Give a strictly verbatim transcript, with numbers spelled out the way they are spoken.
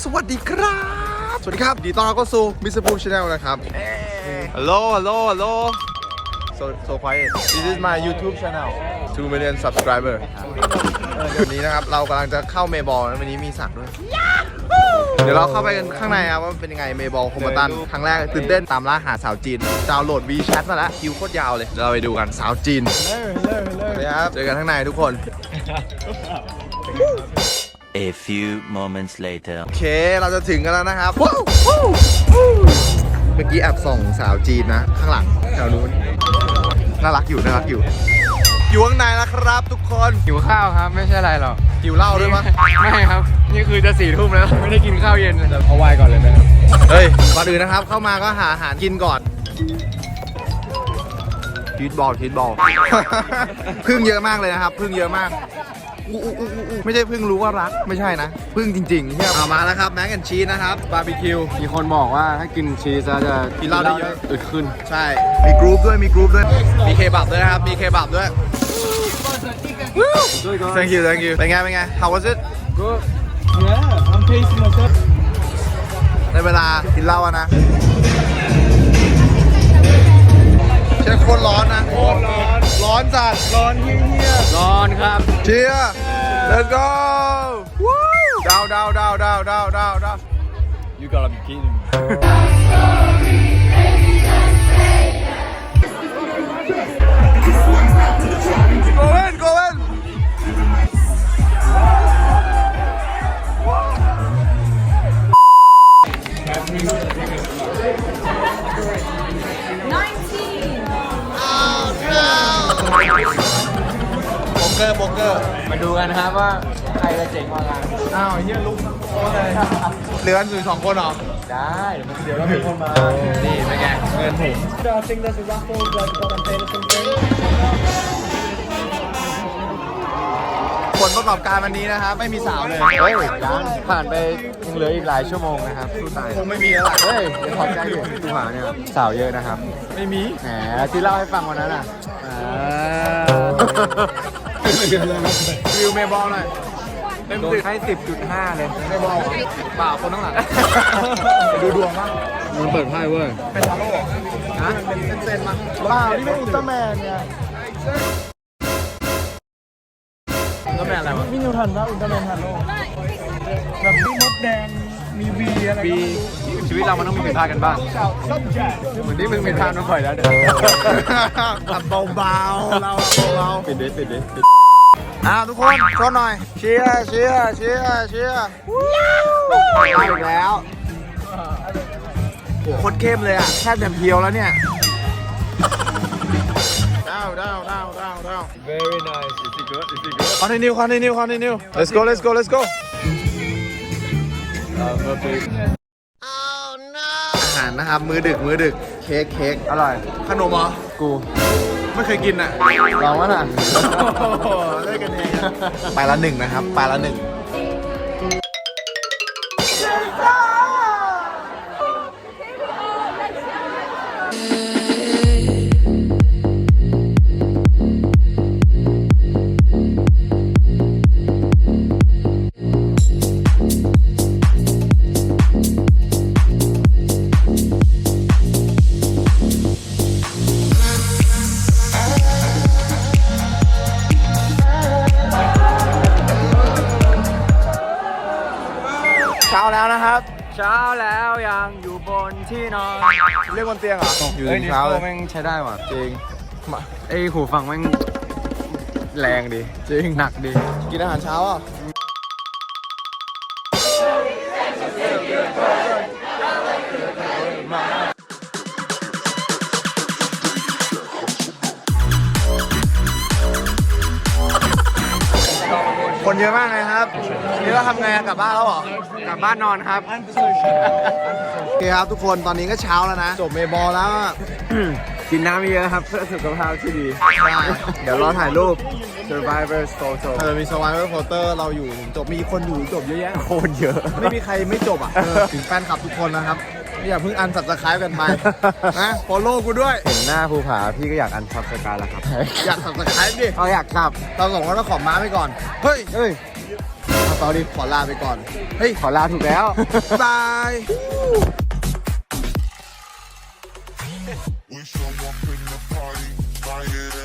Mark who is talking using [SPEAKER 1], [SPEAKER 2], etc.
[SPEAKER 1] สวัสดีครับสวัสดีครับดีต้อนรับเข้าสู่มิสเตอร์ภูมิชาแนลนะครับฮัลโหลฮัลโหลฮัลโหล so so quiet this is my YouTube channel two million subscriber เดี๋ยวนี้นะครับเรากำลังจะเข้าเมย์บอลนะวันนี้มีสักด้วยเดี๋ยวเราเข้าไปกันข้างในครับว่าเป็นยังไงเมย์บอลโคมตันครั้งแรกตื่นเต้นตามล่าหาสาวจีนดาวน์โหลด WeChat มาแล้วคิวโคตรยาวเลยเราไปดูกันสาวจีนเลยครับเจอกันข้างในทุกคน
[SPEAKER 2] A few moments later
[SPEAKER 1] โอเคเราจะถึงกันแล้วนะครับเมื่อกี้แอบส่องสาวจีนนะข้างหลังแถวนู้นน่ารักอยู่น่ารักอยู่อยู่ข้างในแล้วครับทุกคน
[SPEAKER 3] หิวข้าวครับไม่ใช่อะไรหรอก
[SPEAKER 1] หิวเหล้าด้วยมั้ย
[SPEAKER 3] ไม่ครับนี่คือจะสี่ทุ่มแล้วไม่ได้กินข้าวเย็นแต่เอาไวน์ก่อนเลยไหมครับ
[SPEAKER 1] เฮ้ยก่อนอื่นนะครับเข้ามาก็หาอาหารกินก่อนชีสบอลชีสบอล พึ่งเยอะมากเลยนะครับพึ่งเยอะมากอู้อู้อู้อู้ไม่ใช่พึ่งรู้ว่ารักไม่ใช่นะพึ่งจริงๆเฮียเอามาแล้วครับแม็กแอนชีสนะครับบาร์บีคิว
[SPEAKER 3] มีคนบอกว่าถ้ากินชีสแล้วจะ
[SPEAKER 1] กินเหล้าได้เยอะ
[SPEAKER 3] อึดขึ้น
[SPEAKER 1] ใช่มีกรุ๊ปด้วยมีกรุ๊ปด้วยมีเคบับด้วยนะครับมีเคบับด้วย thank you thank you เป็นไงเป็นไง how was it
[SPEAKER 3] Good yeah I'm tasting myself
[SPEAKER 1] ในเวลากินเหล้าอะนะเช็คโคตรร้อนนะโคตรร้อนร้อนจัดร้อนเฮี้ย
[SPEAKER 3] ร้อนครับ
[SPEAKER 1] เชียร์ let's go ดาวดาวดาวดาวดาวดาวดาว
[SPEAKER 3] You gotta be kidding me
[SPEAKER 1] go in go inโป๊กเกอร์โป๊กเกอร์
[SPEAKER 3] มาดูกันนะครับว่าใครจะเจ๋งกว่ากัน
[SPEAKER 1] อ้าวเฮียลุกโอ้เลยเหลือกันอยู่สองคนเหรอ
[SPEAKER 3] ได้เดี๋ยวเราเป็นคนมา
[SPEAKER 1] นี่เป็นไงเงินผม
[SPEAKER 3] I think there's a raffle like got a pay or something
[SPEAKER 1] ผลประกอบการวันนี้นะครับไม่มีสาวเลย
[SPEAKER 3] เฮ้ยยังผ่านไปยังเหลืออีกหลายชั่วโมงนะครับสู้ตาย
[SPEAKER 1] คงไม่มีแล้วล่ะ
[SPEAKER 3] เฮ้ยเดี๋ยวขอบใจอยู่ดูหมาเนี่ยสาวเยอะนะครับ
[SPEAKER 1] ไม่มี
[SPEAKER 3] แหมที่เล่าให้ฟังวันนั้นอ่ะวิวเมย์บอลหน่อยเต็มสิบให้ สิบจุดห้า เลยเมย์บอลเปล่าคนข้างหลัง
[SPEAKER 1] ดูดวงมั้ง
[SPEAKER 3] มันเปิดไพ่เว้ย
[SPEAKER 1] เป็นทาโร่ฮะเป็นเซนมั้งเปล่านี่เป็นอุลตร้าแมนเนี่ย
[SPEAKER 3] ก็แม่อะไรวะ
[SPEAKER 4] พี่นิวทันว่าอุลตร้าแมนทันโลกแบบมีมดแดงมีวีอะไร
[SPEAKER 3] ปีชีวิตเรามันต้องมีผิดพลาดกันบ้างเหมือนที่มึงผิดพลาดมาบ่อยแล้วเดี๋ยว
[SPEAKER 1] เบาๆเราเบา
[SPEAKER 3] ปิดดิปิดดิปิด
[SPEAKER 1] ๆอ่าทุกคนชนหน่อยเชียร์เชียร์เชียร์เชียร์ได้อีกแล้วโอ้โคตรเข้มเลยอ่ะแค่แบบเพียวแล้วเนี่ยดาวดาวดาวดาวดาว
[SPEAKER 3] very nice is it good is it good
[SPEAKER 1] continue continue continue let's go let's go let's go อาหารนะครับมื้อดึกมื้อดึกเค้กเค้ก
[SPEAKER 3] อร่อย
[SPEAKER 1] ขนมเหรอ
[SPEAKER 3] กู
[SPEAKER 1] ไม่เคยกินอ่ะ
[SPEAKER 3] ลองวะน่ะ
[SPEAKER 1] ได้กันเองไปละหนึ่งนะครับไปละหนึ่งเช้าแล้วนะครับ
[SPEAKER 3] เช้าแล้วยังอยู่บนที่นอน
[SPEAKER 1] เรียกบนเตียงเหรออยู่
[SPEAKER 3] เฮ้ย
[SPEAKER 1] ถึง
[SPEAKER 3] นี่
[SPEAKER 1] เช้าเลย
[SPEAKER 3] แม่งใช้ได้ว่ะ
[SPEAKER 1] จริงมา
[SPEAKER 3] ไอ้หูฟังแม่งแรงดี
[SPEAKER 1] จริง
[SPEAKER 3] หนักดี
[SPEAKER 1] กินอาหารเช้าอ่ะคนเยอะมากเลยครับนี่เราทำไงกลับบ้านแล้วเหรอ
[SPEAKER 3] กลับบ้านนอนครับ
[SPEAKER 1] โอเคครับทุกคนตอนนี้ก็เช้าแล้วนะจบเมย์บอลแล้วอะ
[SPEAKER 3] กินน้ำเยอะครับเพื่อสุขภาพที่ดี
[SPEAKER 1] เดี๋ยวรอถ่ายรูป
[SPEAKER 3] Survivor Photo
[SPEAKER 1] เออมี Survivor Photer เราอยู่ถึงจบมีคนอยู่ถึงจบเยอะแยะ
[SPEAKER 3] โคตรเยอะ
[SPEAKER 1] ไม่มีใครไม่จบอ่ะเออถึงแฟนคลับทุกคนนะครับไม่อย่าเพิ่งอันสับสไครป์กันไปนะฟอลโล่กูด้วย
[SPEAKER 3] เห็นหน้าภูผาพี่ก็อยากอันซับสกายแล้วครับ
[SPEAKER 1] อยากสับสไครป์ดิ
[SPEAKER 3] เอาอยากขับ
[SPEAKER 1] เราสองคนต้องขอม้าไปก่อนเฮ้ย
[SPEAKER 3] เฮ้ย
[SPEAKER 1] ทตอนนี้ขอลาไปก่อน เฮ้ย
[SPEAKER 3] ขอลาถูกแล้ว
[SPEAKER 1] บาย
[SPEAKER 5] When someone in the party, buy it